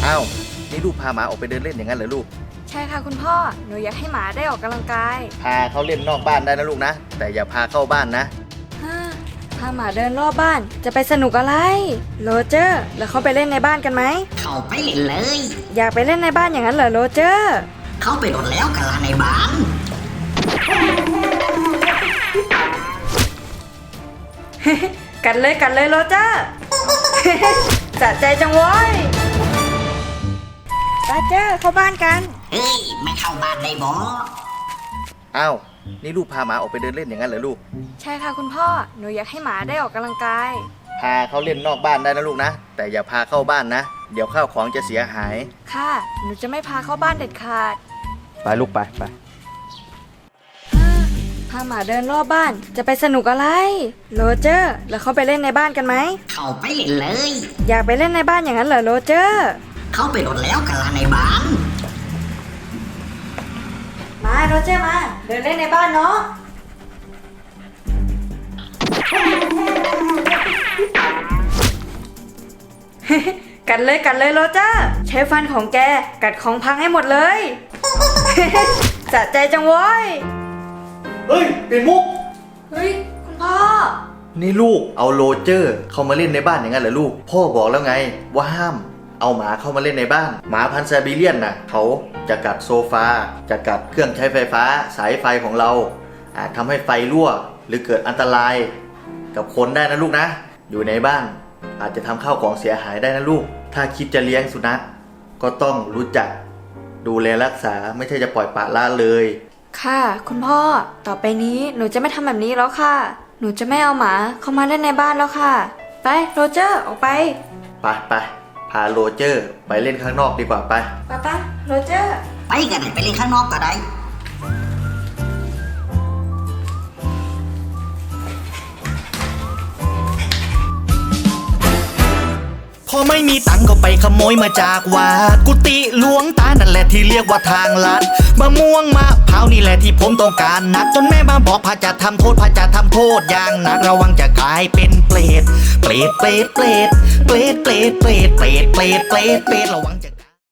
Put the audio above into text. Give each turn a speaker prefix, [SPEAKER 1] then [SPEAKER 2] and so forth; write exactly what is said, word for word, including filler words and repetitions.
[SPEAKER 1] อ้าวนี่ลูกพาหมาออกไปเดินเล่นอย่างนั้นเหรอลูก
[SPEAKER 2] ใช่ค่ะคุณพ่อหนูอยากให้หมาได้ออกกำลังกาย
[SPEAKER 1] พาเขาเล่นนอกบ้านได้นะลูกนะแต่อย่าพาเข้าบ้านนะ
[SPEAKER 2] ฮ่าพาหมาเดินรอบบ้านจะไปสนุกอะไรโรเจอร์แล้วเขาไปเล่นในบ้านกันไหม
[SPEAKER 3] เข้าไปเล่นเลย
[SPEAKER 2] อยากไปเล่นในบ้านอย่างนั้นเหรอโรเจอร์
[SPEAKER 3] เข้าไปโดดแล้วกันละในบ้าน
[SPEAKER 2] กัดเลยกัดเลยโรเจอร์สะใจจังเว้ยโรเจอร์เข้าบ้านกัน
[SPEAKER 3] เฮ้ยไม่เข้าบ้านได้บ่
[SPEAKER 1] อ้าวนี่ลูกพาหมาออกไปเดินเล่นอย่างนั้นเหรอลูก
[SPEAKER 2] ใช่ค่ะคุณพ่อหนูอยากให้หมาได้ออกกำลังกาย
[SPEAKER 1] พาเขาเล่นนอกบ้านได้นะลูกนะแต่อย่าพาเข้าบ้านนะเดี๋ยวข้าวของจะเสียหาย
[SPEAKER 2] ค่ะหนูจะไม่พาเข้าบ้านเด็ดขาด
[SPEAKER 1] ไปลูกไปไป
[SPEAKER 2] พาหมาเดินรอบบ้านจะไปสนุกอะไรโรเจอร์แล้วเขาไปเล่นในบ้านกันไหม
[SPEAKER 3] เข้าไปเล่นเลย
[SPEAKER 2] อยากไปเล่นในบ้านอย่างนั้นเหรอโรเจอร์
[SPEAKER 3] เข้าไปโดดแล้วกันละในบ้าน
[SPEAKER 2] มาโรเจอร์มาเดินเล่นในบ้านเนาะกัดเลยกัดเลยโรเจอร์ใช้ฟันของแกกัดของพังให้หมดเลยสะใจจังเว้ย
[SPEAKER 1] เฮ้ยเป็นมุก
[SPEAKER 2] เฮ้ยคุณพ่อ
[SPEAKER 1] นี่ลูกเอาโรเจอร์เข้ามาเล่นในบ้านอย่างนั้นเหรอลูกพ่อบอกแล้วไงว่าห้ามเอาหมาเข้ามาเล่นในบ้านหมาพันธุ์ไซบีเรียนน่ะเขาจะกัดโซฟาจะกัดเครื่องใช้ไฟฟ้าสายไฟของเราอาจทำให้ไฟรั่วหรือเกิดอันตรายกับคนได้นะลูกนะอยู่ในบ้านอาจจะทำข้าวของเสียหายได้นะลูกถ้าคิดจะเลี้ยงสุนัขก็ต้องรู้จักดูแลรักษาไม่ใช่จะปล่อยปละละเลย
[SPEAKER 2] ค่ะคุณพ่อต่อไปนี้หนูจะไม่ทำแบบนี้แล้วค่ะหนูจะไม่เอาหมาเข้ามาเล่นในบ้านแล้วค่ะไปโรเจอร์ออกไป
[SPEAKER 1] ไปไปพาโรเจอร์ไปเล่นข้างนอกดีกว่าไป
[SPEAKER 2] ไปไปโรเจอร์
[SPEAKER 3] ไปกันไปเล่นข้างนอกก็ได้
[SPEAKER 4] พอไม่มีตังก็ไปขโมยมาจากวัดกุฏิหลวงตานั่นแหละที่เรียกว่าทางลัดมะม่วงมะพร้าวนี่แหละที่ผมต้องการนักจนแม่มาบอกพระจะทำโทษพระจะทำโทษอย่างหนักระวังจะกลายเป็นเปรตเปรตเปรตเปรตเปรตเปรตเปรตเปรตเปรตเปรตเปรตระวัง